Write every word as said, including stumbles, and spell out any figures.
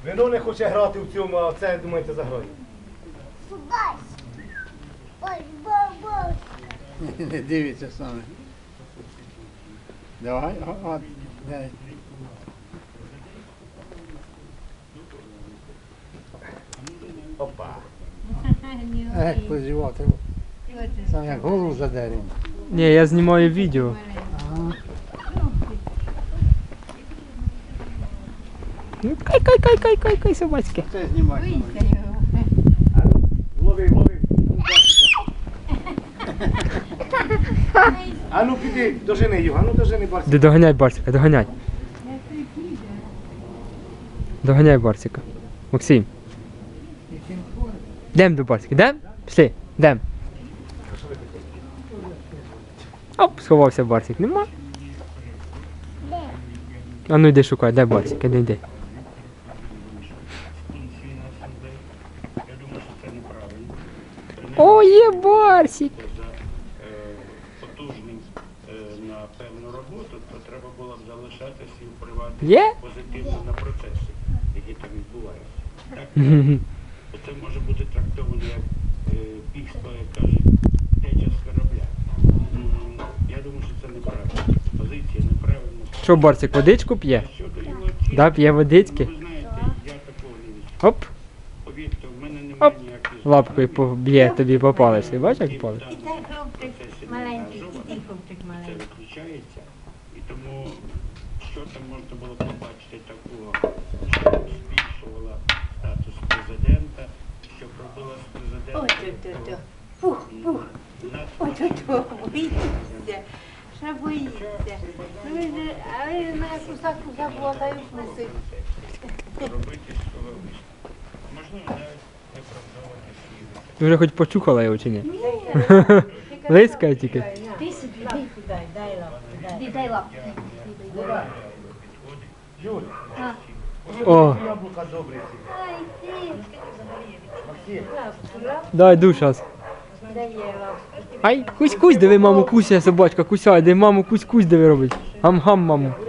Вино не хоче грати в цьому, а це, думаєте, заграє. Не дивіться саме. Давай, о, о, дай. Опа. Ех, позівати. Сам як голову задерем. Ні, я знімаю відео. Ага. Ну, кай, кай, кай, кай, кай, кай, собачки. Це знімати. Лови, лови. А ну піди, дожени його, а ну дожени Барсика. Де доганяй Барсика, доганяй. Доганяй Барсика. Максим. Йдем до Барсика, йдем? Пішли, йдем. Оп, сховався Барсик, нема. А ну йди шукай, де Барсик, іди, йди. О, є Барсик! Потужний на певну роботу, то треба було б залишатися і впливати Є? позитивно на процеси, які там відбуваються. Так? Це може бути трактовано як е, бігство, як кажуть, теча з корабля. М, Я думаю, що це неправильно. Позиція неправильна. Що, Барсик, водичку п'є? Щодо його оцінки, Да, п'є водички. ви знаєте, я такого не відчуваю. Оп, Повірте, в мене немає оп, ніяких лапкою поб'є тобі по палеці. Бачиш, як палець? І цей хлопчик маленький, і хлопчик маленький. Це виключається. І тому, що там можна було побачити такого, що збільшувала статус президента, що робила з президентом. Фух, фух. надто Ой, то боїться. Що боїться? Ну, ви ж- а ви на кусак кусак блатаю вкуси. робити з цього висновку. Можливо, навіть не правдувати свій. Ти вже хоч почухала його чи ні? Лискає тільки. Ти собі, дай, дай, дай лапку, дай. Дай лапку. Юль, О, яблука добрі ці. Ай, ти. Максим. Лапку, лапку, дай ду щас. дай їй лапку. Ай, кусь-кусь, диви, маму, куся собачка, кусяй, де маму, кусь-кусь, диви робить. Гам-гам, маму.